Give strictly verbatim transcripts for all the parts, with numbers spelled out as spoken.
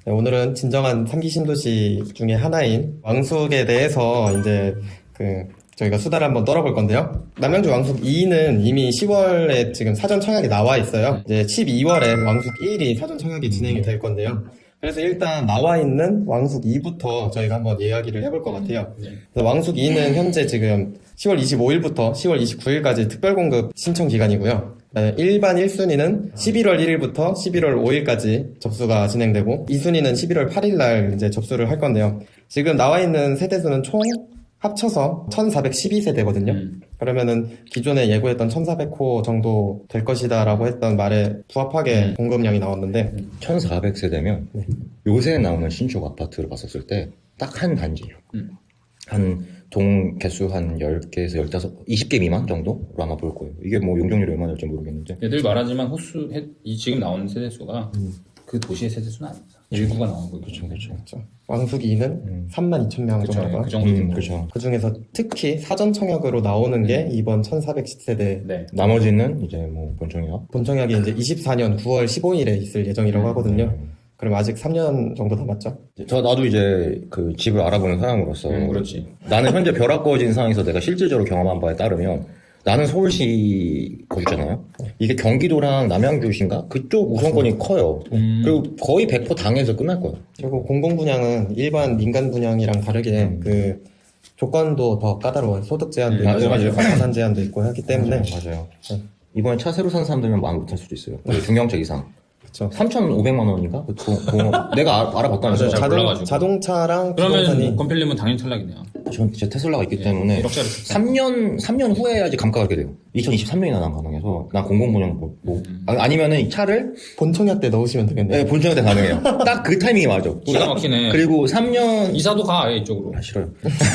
네, 오늘은 진정한 삼 기 신도시 중에 하나인 왕숙에 대해서 이제 그 저희가 수다를 한번 떨어볼 건데요. 남양주 왕숙 이는 이미 시월에 지금 사전 청약이 나와 있어요. 이제 십이월에 왕숙 일이 사전 청약이 진행이 될 건데요. 그래서 일단 나와 있는 왕숙 이부터 저희가 한번 이야기를 해볼 것 같아요. 왕숙 이는 현재 지금 시월 이십오일부터 시월 이십구일까지 특별공급 신청 기간이고요. 일반 일 순위는 십일월 일일부터 십일월 오일까지 접수가 진행되고 이 순위는 십일월 팔일날 이제 접수를 할 건데요. 지금 나와 있는 세대수는 총 합쳐서 천사백십이 세대거든요. 음. 그러면은 기존에 예고했던 천사백 호 정도 될 것이다라고 했던 말에 부합하게 음. 공급량이 나왔는데 천사백 세대면 네. 요새 나오는 신축 아파트를 봤었을 때 딱 한 단지예요. 음. 한 동 개수 한 열 개에서 열다섯, 이십 개 미만 정도로 아마 볼 거예요. 이게 뭐 용적률이 얼마나 될지 모르겠는데. 늘 말하지만 호수, 이 지금 나오는 세대수가 음. 그 도시의 세대수는 아닙니다. 일부가 나오는 거죠. 그렇죠, 그렇죠. 그렇죠. 왕숙 이는 음. 삼만 이천 명 정도가. 그 정도. 음, 그렇죠. 그 중에서 특히 사전 청약으로 나오는 음. 게 이번 천사백십 세대. 네. 나머지는 이제 뭐 본청약. 본청약이 이제 이십사년 구월 십오일에 있을 예정이라고 음. 하거든요. 음. 그럼 아직 삼 년 정도 남았죠? 저, 나도 이제 그 집을 알아보는 사람으로서. 음, 그렇지. 나는 현재 벼락거진 상황에서 내가 실질적으로 경험한 바에 따르면 나는 서울시 거주잖아요. 이게 경기도랑 남양주신가? 그쪽 우선권이 맞습니다. 커요. 음. 그리고 거의 백 퍼센트 당에서 끝날 거예요. 그리고 공공분양은 일반 민간 분양이랑 다르게 음. 그 조건도 더 까다로워요. 소득 제한도 음, 있고, 맞아요. 자산 제한도 있고 하기 때문에. 맞아요. 맞아요. 네. 이번에 차 새로 산 사람들은 마음 못할 수도 있어요. 중형차 이상. 그쵸. 삼천오백만 원인가? 그, 그, 그, 내가 알, 알아봤다면서요. 자동, 자동차랑 그러면 부동산이 건필님은 당연히 탈락이네요. 전 제 테슬라가 있기 예, 때문에 삼 년 삼 년 후에야지 감가가 그렇게 돼요. 이천이십삼년이나 난 가능해서 난 공공분양 뭐, 뭐 음. 아니면은 이 차를 본청약 때 넣으시면 되겠네요. 네, 본청약 때 가능해요. 딱 그 타이밍이 맞아. 기가 막히네. 그리고 삼 년 이사도 가 아예 이쪽으로. 아 싫어요.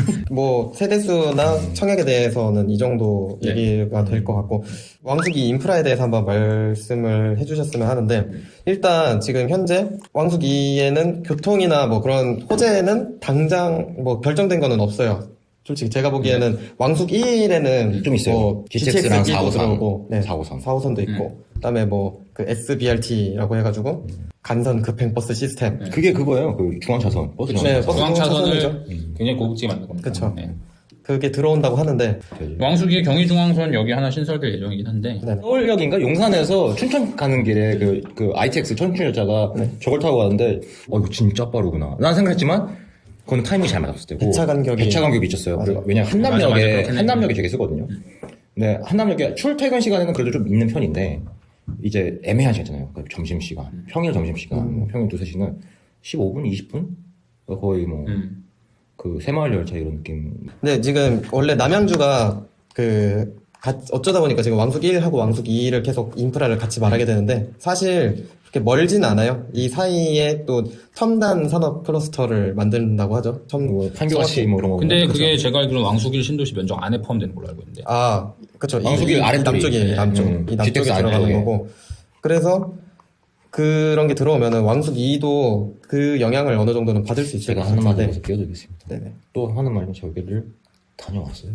뭐 세대수나 음. 청약에 대해서는 이 정도 네. 얘기가 될 것 같고 왕숙이 인프라에 대해서 한번 말씀을 해주셨으면 하는데 일단 지금 현재 왕숙이에는 교통이나 뭐 그런 호재는 당장 뭐 결정된 거는 없어요. 솔직히 제가 보기에는 네. 왕숙 일에는 좀 있어요. 뭐 지티엑스랑 지티엑스도 들어오고 네. 사호선 사호선도 있고 음. 그다음에 뭐 그 에스비알티라고 해가지고 음. 간선 급행버스 시스템. 네. 그게 그거예요. 그 중앙차선 버스 네, 중앙차선을 음. 굉장히 고급지게 만든 겁니다. 그렇죠. 네. 그게 들어온다고 하는데 왕숙이 경의중앙선 여기 하나 신설될 예정이긴 한데 네. 서울역인가 용산에서 춘천 가는 길에 그, 그 아이티엑스 천춘여자가 네. 저걸 타고 가는데 어 이거 진짜 빠르구나 난 생각했지만 그건 타이밍이 잘 맞았을 때고 배차 간격이 배차 간격이 미쳤어요. 왜냐면 한남역에 한남역에 되게 쓰거든요. 음. 네 한남역에 출퇴근 시간에는 그래도 좀 있는 편인데 이제 애매한 시간이잖아요. 그러니까 점심 시간, 음. 평일 점심 시간, 음. 평일 두세 시는 십오 분, 이십 분 거의 뭐. 음. 그 새마을 열차 이런 느낌. 네, 지금 원래 남양주가 그 어쩌다 보니까 지금 왕숙 일하고 왕숙 이를 계속 인프라를 같이 말하게 되는데 사실 그렇게 멀진 않아요. 이 사이에 또 첨단 산업 클러스터를 만든다고 하죠. 첨 뭐 판교같이 뭐 이런 거. 근데 그게 그렇죠. 제가 알기로는 왕숙 일 신도시 면적 안에 포함되는 걸로 알고 있는데. 아, 그렇죠. 왕숙 일 아래 남쪽이 남쪽, 음, 이 남쪽에 들어가는 거고. 그래서 그런 게 들어오면은 왕숙 이도 그 영향을 어느 정도는 받을 수 있을 것 같은데. 제가 하는 말에서 네. 끼어들겠습니다. 네네. 또 하는 말은 저기를 다녀왔어요.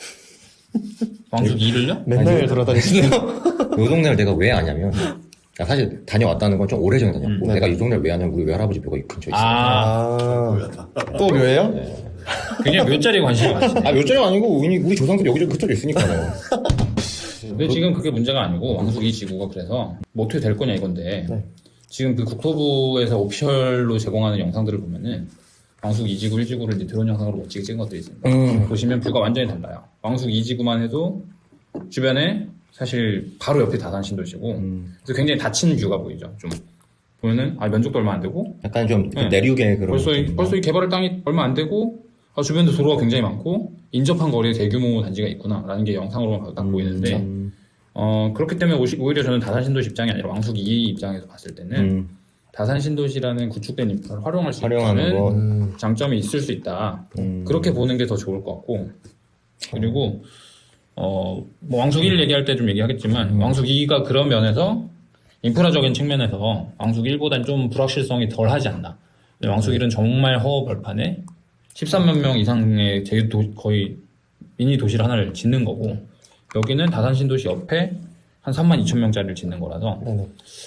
왕숙 이를요? 맨날 돌아다니시네요. 이 동네를 내가 왜 아냐면 사실 다녀왔다는 건 좀 오래전에 다녔고 음, 내가 이 동네를 왜 아냐면 우리 외할아버지 묘가 이 근처에 있어요. 아, 또 묘예요? 네. 그냥 묘자리에 관심이 많으시네. 아 묘자리가 아니고 우리, 우리 조상들이 여기저기 흩어져 있으니까요. 근데 지금 그게 문제가 아니고 왕숙 이 지구가 그래서 뭐 어떻게 될 거냐 이건데 네. 지금 그 국토부에서 오피셜로 제공하는 영상들을 보면은 왕숙 이 지구 일 지구를 이제 드론 영상으로 멋지게 찍은 것들이 있습니다. 음. 보시면 뷰가 완전히 달라요. 왕숙 이 지구만 해도 주변에 사실 바로 옆이 다산 신도시고 음. 그래서 굉장히 닫힌 뷰가 보이죠. 좀 보면은 아 면적도 얼마 안 되고 약간 좀 네. 내륙의 그런 벌써 이, 벌써 이 개발할 땅이 얼마 안 되고 아, 주변도 도로가 굉장히 많고 인접한 거리에 대규모 단지가 있구나라는 게 영상으로만 딱 음, 보이는데 음. 어 그렇기 때문에 오히려 저는 다산 신도시 입장이 아니라 왕숙 이 입장에서 봤을 때는 음. 다산 신도시라는 구축된 인프라를 활용할 수 있다는 음. 장점이 있을 수 있다. 음. 그렇게 보는 게 더 좋을 것 같고 그리고 어 뭐 왕숙 일 얘기할 때 좀 얘기하겠지만 음. 왕숙 이가 그런 면에서 인프라적인 측면에서 왕숙 일보다는 좀 불확실성이 덜 하지 않나. 왕숙 일은 정말 허허벌판에 십삼만 명 이상의 제도 거의 미니 도시를 하나를 짓는 거고 여기는 다산 신도시 옆에 한 삼만 이천 명짜리를 짓는 거라서 네네.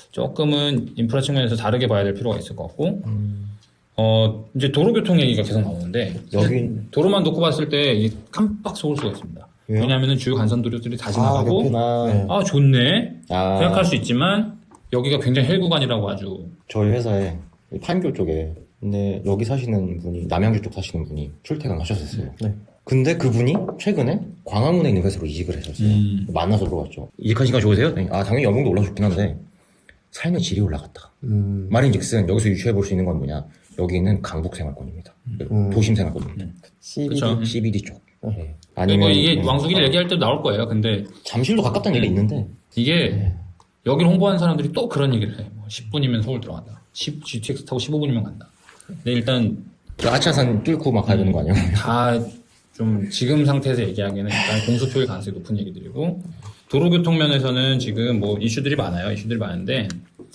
조금은 인프라 측면에서 다르게 봐야 될 필요가 있을 것 같고 음. 어 이제 도로교통 얘기가 계속 나오는데 여기 도로만 놓고 봤을 때 이게 깜빡 속을 수가 있습니다. 왜요? 왜냐하면 주요 간선도로들이 다 아, 지나가고 옆에나. 네. 아 좋네 아, 생각할 수 있지만 여기가 굉장히 헬구간이라고 아주 저희 회사에 판교 쪽에 근데 여기 사시는 분이 남양주 쪽 사시는 분이 출퇴근 하셨었어요. 네. 근데 그분이 최근에 광화문에 있는 회사로 이직을 하셨어요. 음. 만나서 물어봤죠. 이직한 시간 좋으세요? 네. 아 당연히 연봉도 올라줬긴 한데 삶의 질이 올라갔다. 음. 말인즉슨 여기서 유추해 볼 수 있는 건 뭐냐? 여기는 강북 생활권입니다. 음. 도심 생활권입니다. 씨비디. 그쵸. 씨비디 쪽. 네. 뭐 아니면 이게 네. 왕숙일 얘기할 때도 나올 거예요. 근데 잠실도 가깝다는 얘기가 있는데 이게 여기를 홍보하는 사람들이 또 그런 얘기를 해. 뭐 십 분이면 서울 들어간다. 십 지티엑스 타고 십오 분이면 간다. 근데 일단 그 아차산 뚫고 막 가야 되는 거 아니에요? 다 좀 지금 상태에서 얘기하기에는 일단 공수표일 가능성이 높은 얘기들이고 도로교통 면에서는 지금 뭐 이슈들이 많아요. 이슈들이 많은데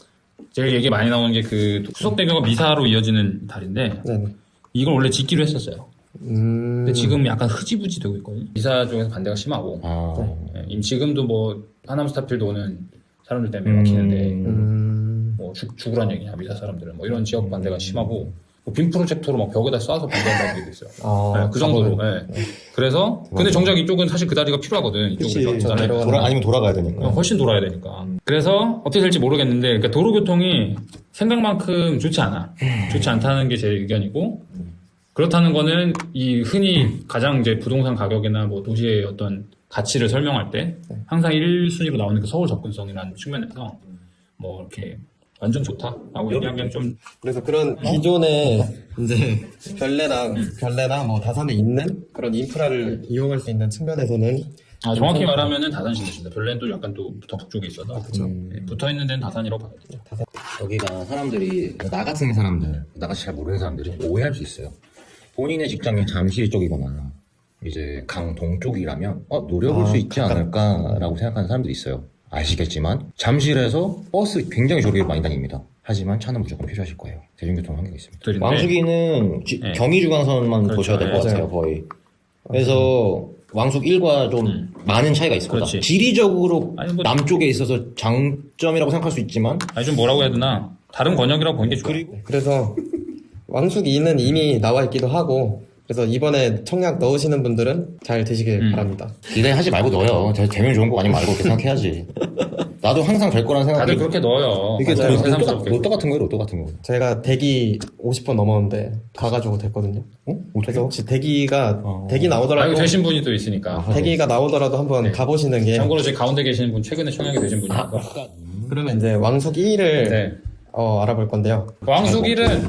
제일 얘기 많이 나오는 게 그 수석대교가 미사로 이어지는 다리인데 네네. 이걸 원래 짓기로 했었어요. 음. 근데 지금 약간 흐지부지 되고 있거든요. 미사 쪽에서 반대가 심하고 아, 예, 임- 지금도 뭐 하남 스타필드 오는 사람들 때문에 막히는데 음. 뭐 죽, 죽으란 얘기냐 미사 사람들은 뭐 이런 지역 반대가 심하고 뭐 빔 프로젝터로 막 벽에다 쏴서 반대한다는 얘기도 있어요. 아, 네, 그 정도로. 예. 그래서 근데 정작 이쪽은 사실 그 다리가 필요하거든. 그치. 이쪽으로 전달해. 내려가는 돌아, 아니면 돌아가야 되니까. 어, 훨씬 돌아야 되니까. 그래서 어떻게 될지 모르겠는데, 그러니까 도로교통이 생각만큼 좋지 않아. 좋지 않다는 게 제 의견이고, 그렇다는 거는 이 흔히 가장 이제 부동산 가격이나 뭐 도시의 어떤 가치를 설명할 때 항상 일 순위로 나오는 그 서울 접근성이라는 측면에서 뭐 이렇게 완전 좋다라고 얘기하기엔 좀 그래서 그런 기존에 이제 별내랑 별내나 뭐 다산에 있는 그런 인프라를 이용할 수 있는 측면에서는 아, 정확히 말하면은 다산시입니다. 별내는 또 약간 또 더 북쪽에 있어서 음. 네, 붙어 있는 데는 다산이라고 봐야 되죠. 여기가 사람들이 나 같은 사람들, 나같이 잘 모르는 사람들이 오해할 수 있어요. 본인의 직장이 잠실 쪽이거나 이제 강동 쪽이라면 어, 노려볼 아, 수 있지 않을까라고 생각하는 사람들이 있어요. 아시겠지만 잠실에서 버스 굉장히 저렴하게 많이 다닙니다. 하지만 차는 무조건 필요하실 거예요. 대중교통 환경이 있습니다. 그런데- 왕숙이는 지- 네. 경의중앙선만 그렇죠. 보셔야 될 것 네. 같아요, 거의. 그래서 왕숙 일과 좀 많은 차이가 있을 거다. 그렇지. 지리적으로 아니, 뭐- 남쪽에 있어서 장점이라고 생각할 수 있지만 아니 좀 뭐라고 해야 되나 다른 권역이라고 보는 게 좋아요. 그리고 그래서 왕숙 이는 이미 나와 있기도 하고 그래서 이번에 청약 넣으시는 분들은 잘 되시길 음. 바랍니다. 기대하지 말고 넣어요. 저 되면 좋은 거 아니면 말고 그렇게 생각해야지. 나도 항상 될 거란 생각이 다들 그렇게 넣어요. 이게 맞아요. 로또, 새삼스럽게. 로또 같은 거예요, 로또 같은 거. 제가 대기 오십 번 넘었는데 가가지고 됐거든요. 어? 그래서 혹시 대기가 어. 대기 아, 나오더라도 이거 되신 분이 또 있으니까. 대기가 나오더라도 한번 네. 가보시는 게 참고로 지금 가운데 계시는 분 최근에 청약이 되신 분이니까. 그러면 이제 왕숙 이를 네. 어, 알아볼 건데요. 왕숙일은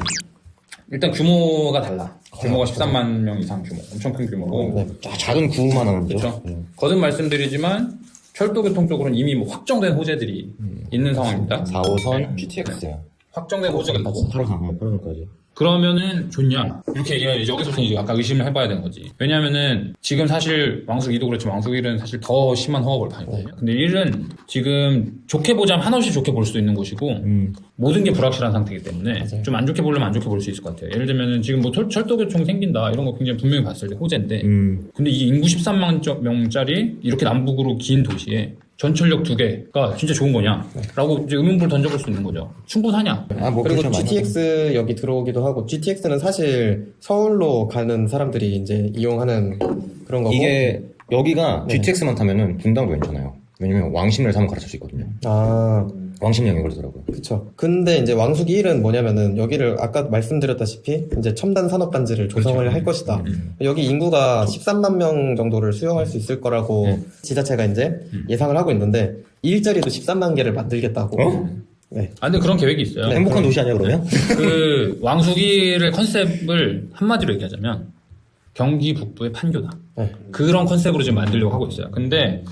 일단 규모가 달라. 규모가 십삼만 명 이상 규모. 엄청 큰 규모고. 네. 자, 작은 구만 하는 거죠. 그렇죠. 거듭 말씀드리지만 철도교통 쪽으로는 이미 뭐 확정된 호재들이 있는 상황입니다. 사 호선 지티엑스. 확정된 호재가 있고. 바로 가면 그러니까지. 그러면은 좋냐? 이렇게 얘기해야지. 여기서부터 이제 아까 의심을 해봐야 되는 거지. 왜냐면은 지금 사실 왕숙 이도 그렇지만 왕숙 일은 사실 더 심한 허업을 당했거든요. 근데 일은 지금 좋게 보자면 한없이 좋게 볼 수도 있는 곳이고 음. 모든 게 불확실한 상태이기 때문에 좀 안 좋게 보려면 안 좋게 볼 수 있을 것 같아요. 예를 들면은 지금 뭐 철, 철도교통 생긴다 이런 거 굉장히 분명히 봤을 때 호재인데 음. 근데 이 인구 십삼만 명짜리 이렇게 남북으로 긴 도시에 전철역 두 개가 진짜 좋은 거냐? 라고 이제 의문부를 던져볼 수 있는 거죠. 충분하냐? 아, 뭐 그리고 그렇죠, 많이 지티엑스 여기 들어오기도 하고 지티엑스는 사실 서울로 가는 사람들이 이제 이용하는 그런 거고 이게 여기가 네. 지티엑스만 타면은 분당도 괜찮아요. 왜냐면 왕십리를 타면 갈아탈 수 있거든요. 아 왕십리역이 걸리더라고요. 그쵸. 근데 이제 왕숙 일은 뭐냐면은 여기를 아까 말씀드렸다시피 이제 첨단 산업 단지를 조성을 그렇죠. 할 것이다. 음. 여기 인구가 십삼만 명 정도를 수용할 수 있을 거라고 음. 지자체가 이제 음. 예상을 하고 있는데 일자리도 십삼만 개를 만들겠다고. 어? 네. 아, 근데 그런 계획이 있어요. 네. 행복한 도시 아니야 그러면? 그 왕숙이의 컨셉을 한마디로 얘기하자면 경기 북부의 판교다. 네. 그런 컨셉으로 지금 만들려고 하고 있어요. 근데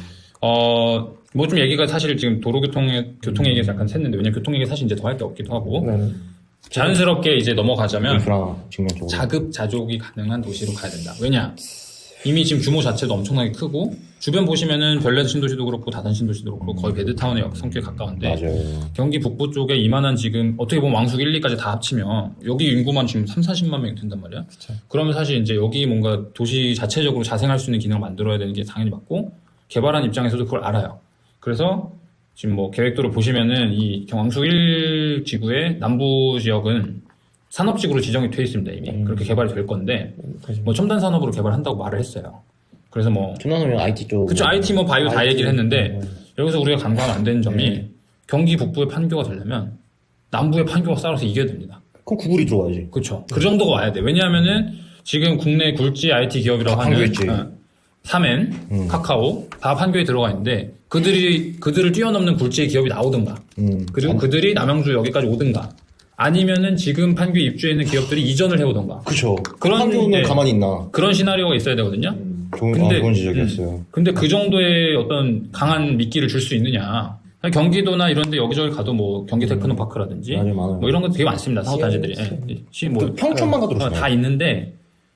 어 뭐 좀 얘기가 사실 지금 도로교통의 교통 얘기에서 약간 샜는데 왜냐면 교통 얘기 사실 이제 더 할 게 없기도 하고 네. 자연스럽게 이제 넘어가자면 인프라 측면 쪽으로. 자급자족이 가능한 도시로 가야 된다. 왜냐? 이미 지금 규모 자체도 엄청나게 크고 주변 보시면은 별내 신도시도 그렇고 다산 신도시도 그렇고 거의 베드타운의 성격에 가까운데 맞아요. 경기 북부 쪽에 이만한 지금 어떻게 보면 왕숙 일, 이까지 다 합치면 여기 인구만 지금 삼, 사십만 명이 된단 말이야. 그쵸. 그러면 사실 이제 여기 뭔가 도시 자체적으로 자생할 수 있는 기능을 만들어야 되는 게 당연히 맞고 개발한 입장에서도 그걸 알아요. 그래서 지금 뭐 계획도를 보시면은 이 왕숙 일 지구의 남부 지역은 산업지구로 지정이 돼 있습니다 이미. 음. 그렇게 개발이 될 건데 뭐 첨단 산업으로 개발한다고 말을 했어요. 그래서 뭐 첨단산업은 아이티 쪽. 그쵸 아이티 뭐 바이오 다 아이티. 얘기를 했는데 음. 여기서 우리가 간과하면 안 되는 점이 네. 경기 북부의 판교가 되려면 남부의 판교가 싸워서 이겨야 됩니다. 그럼 구글이 들어와야지. 그렇죠. 그 정도가 와야 돼. 왜냐하면은 지금 국내 굴지 아이티 기업이라고 다 하는 판교에 있지. 어, 삼엔, 음. 카카오 다 판교에 들어가 있는데 그들이 그들을 뛰어넘는 굴지의 기업이 나오든가 음. 그리고 그들이 남양주 여기까지 오든가 아니면은 지금 판교에 입주해 있는 기업들이 이전을 해오던가 그쵸. 그런 판교는 네. 가만히 있나. 그런 시나리오가 있어야 되거든요. 좋은, 근데- 아, 좋은 지적이었어요. 근데 그 정도의 어떤 강한 미끼를 줄 수 있느냐? 경기도나 이런데 여기저기 가도 뭐 경기 테크노파크라든지 맞아요, 맞아요. 뭐 이런 거 되게 많습니다 사업단지들이. 예. 시 뭐 그 평촌만 가도 어, 그렇잖아요. 다 있는데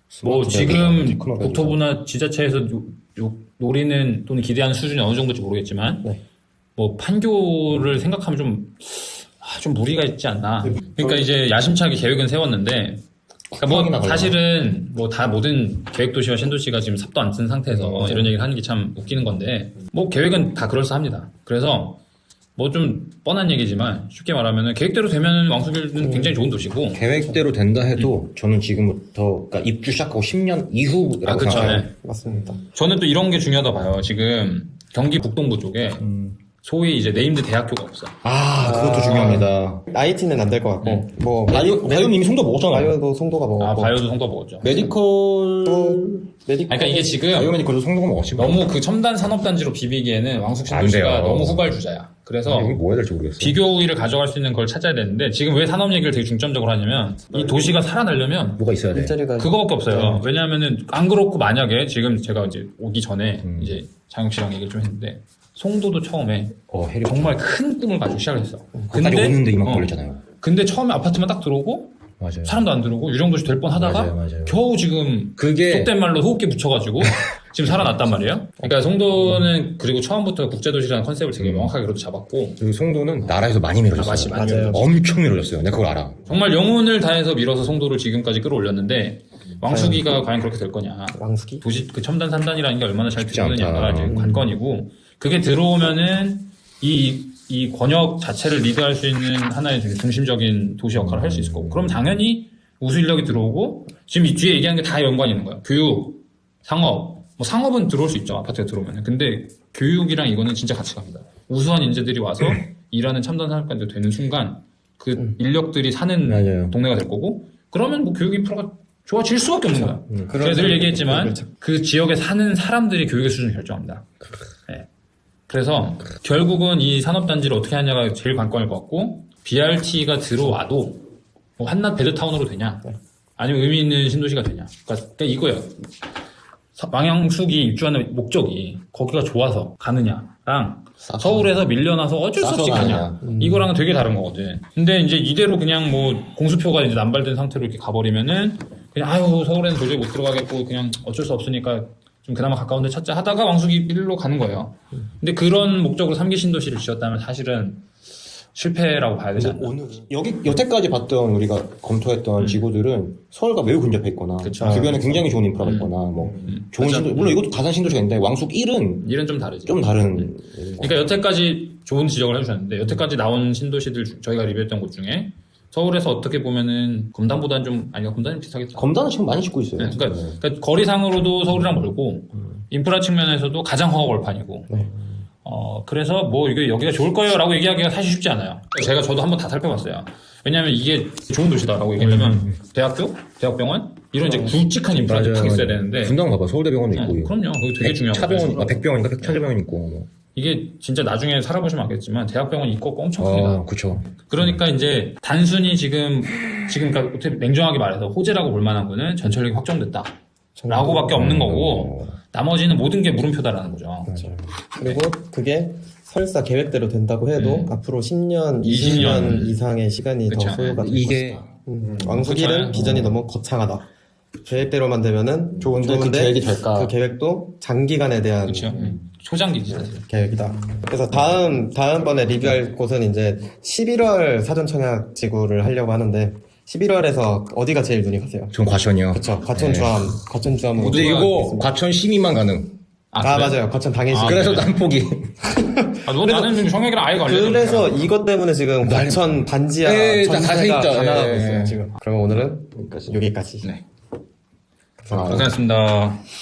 뭐 스마트 지금 테크노가 국토부나 지자체에서 요- 요- 노리는 또는 기대하는 수준이 어느 정도인지 모르겠지만 네. 뭐 판교를 생각하면 좀, 아, 좀 무리가 있지 않나. 그러니까 이제 야심차게 계획은 세웠는데 그러니까 뭐 쿠팡이나 사실은 뭐 다 모든 계획도시와 신도시가 지금 삽도 안 쓴 상태에서 음, 이런 얘기를 하는 게 참 웃기는 건데 뭐 계획은 다 그럴싸합니다. 그래서 뭐 좀 뻔한 얘기지만 쉽게 말하면 계획대로 되면 왕숙일은 굉장히 좋은 도시고 계획대로 된다 해도 저는 지금부터 그러니까 입주 시작하고 십 년 이후라고 아, 그쵸. 생각해요. 네. 맞습니다. 저는 또 이런 게 중요하다 봐요. 지금 경기 북동부 쪽에 음. 소위 이제 네임드 대학교가 없어. 아, 그것도 아. 중요합니다. 아이티는 안 될 것 같고 음. 뭐 바이오, 바이오는 이미 송도 먹었잖아요. 바이오도 송도가 먹었고 아, 바이오도 송도 먹었죠. 메디컬, 메디컬 그러니까 이게 지금 바이오메디컬도 송도가 먹었지. 너무 그 첨단 산업단지로 비비기에는 왕숙 안 신도시가 돼요. 너무 후발주자야. 그래서 이거 뭐 해야 될지 모르겠어. 비교 우위를 가져갈 수 있는 걸 찾아야 되는데 지금 왜 산업 얘기를 되게 중점적으로 하냐면 이 도시가 살아나려면 뭐가 있어야 돼. 일자리가 그거밖에 없어요. 왜냐하면은 안 그렇고 만약에 지금 제가 이제 오기 전에 음. 이제 장혁 씨랑 얘기를 좀 했는데 송도도 처음에 어, 해리 정말 큰 꿈을 가지고 시작을 했어. 거기까지 오는데 이만큼 어, 걸렸잖아요. 근데 처음에 아파트만 딱 들어오고 맞아요. 사람도 안 들어오고 유령도시 될 뻔하다가 맞아요, 맞아요. 겨우 지금 그게 속된 말로 호흡기 붙여가지고 지금 살아났단 말이에요. 그러니까 송도는 그리고 처음부터 국제도시라는 컨셉을 되게 명확하게 그렇게 잡았고 그 송도는 나라에서 많이 밀어줬어요. 아, 맞지, 많이 맞아요. 엄청 밀어줬어요. 내가 그걸 알아. 정말 영혼을 다해서 밀어서 송도를 지금까지 끌어올렸는데 왕숙이가 과연 그렇게 될 거냐. 왕숙이 도시 그 첨단 산단이라는 게 얼마나 잘 쉽지 들어오느냐가 않다. 이제 관건이고 그게 들어오면은 이, 이 권역 자체를 리드할 수 있는 하나의 되게 중심적인 도시 역할을 할 수 있을 거고 그럼 당연히 우수 인력이 들어오고 지금 이 뒤에 얘기하는 게 다 연관이 있는 거예요. 교육, 상업, 뭐 상업은 들어올 수 있죠 아파트가 들어오면. 근데 교육이랑 이거는 진짜 같이 갑니다. 우수한 인재들이 와서 일하는 첨단 산업까지 되는 순간 그 인력들이 사는 맞아요. 동네가 될 거고 그러면 뭐 교육 인프라가 좋아질 수밖에 없는 거야. 그런 제가 늘 얘기했지만 그렇죠. 그 지역에 사는 사람들이 교육의 수준을 결정합니다. 네. 그래서 결국은 이 산업단지를 어떻게 하냐가 제일 관건일 것 같고 비알티가 들어와도 뭐 한낱 베드타운으로 되냐 아니면 의미 있는 신도시가 되냐 그러니까, 그러니까 이거예요. 서- 왕양숙이 입주하는 목적이 거기가 좋아서 가느냐랑 싸서. 서울에서 밀려나서 어쩔 수 싸서 없이 가냐 가느냐. 이거랑은 되게 다른 거거든. 근데 이제 이대로 그냥 뭐 공수표가 이제 남발된 상태로 이렇게 가버리면은 그냥 아유 서울에는 도저히 못 들어가겠고 그냥 어쩔 수 없으니까 좀 그나마 가까운 데 찾자 하다가 왕숙이 일로 가는 거예요. 근데 그런 목적으로 삼기 신도시를 지었다면 사실은 실패라고 봐야 되지 않나. 오늘 여기 여태까지 봤던 우리가 검토했던 지구들은 서울과 매우 근접해 있거나 그쵸. 주변에 굉장히 좋은 인프라가 음. 있거나 뭐 음. 좋은 맞아. 신도 물론 이것도 가산 신도시가 있는데 왕숙 일은 일은 좀 다르지. 좀 다른 그러니까 여태까지 좋은 지적을 해주셨는데 여태까지 나온 신도시들 중- 저희가 리뷰했던 곳 중에 서울에서 어떻게 보면은 검단보다는 좀 아니가 검단이 비슷하겠다. 검단은 지금 많이 짓고 있어요. 네, 그러니까, 그러니까 거리상으로도 서울이랑 멀고 인프라 측면에서도 가장 허허벌판이고 네. 어 그래서 뭐 이게 여기가 좋을 거예요라고 얘기하기가 사실 쉽지 않아요. 제가 저도 한번 다 살펴봤어요. 왜냐하면 이게 좋은 도시다라고 얘기하려면 대학교, 대학병원 이런 이제 굵직한 인프라가 딱 있어야 되는데 분당 봐봐 서울대병원도 네, 있고 그럼요. 그거 되게 중요한 차병원, 거죠. 아, 백병원인가 백차병원 있고 뭐. 이게 진짜 나중에 살아보시면 알겠지만 대학병원 있고 엄청 큽니다. 어, 그쵸. 그러니까 이제 단순히 지금 지금 그러니까 어떻게 냉정하게 말해서 호재라고 볼 만한 거는 전철역이 확정됐다. 라고밖에 없는 거고 나머지는 모든 게 물음표다라는 거죠. 맞아요. 그리고 그게 설사 계획대로 된다고 해도 음. 앞으로 십 년, 이십 이십 년 년 이상의 시간이 그쵸. 더 소요가 될 이게 것이다. 음. 왕숙일은 그쵸. 비전이 어. 너무 거창하다. 계획대로만 되면은 좋은데 그 계획이 될까? 그 계획도 장기간에 대한 그렇죠. 초장기지 사실. 계획이다. 그래서 다음 다음번에 리뷰할 곳은 이제 십일월 사전 청약 지구를 하려고 하는데 십일월에서 어디가 제일 눈이 가세요? 전 과천이요. 그렇죠. 과천 네. 주암, 과천 주암으로. 근데 모두가 이거 과천 시민만 가능. 아, 그래? 맞아요. 거천 당해시. 아, 그래서 그래? 난 포기. 아, 너 나는 지금 청약이랑 아예 관련 그래서 이것 때문에 지금 거천 반지하 예, 다 전세가 다 다 나가고 있죠. 있어요 예. 지금. 그러면 오늘은 여기까지. 여기까지. 네. 아, 고생했습니다.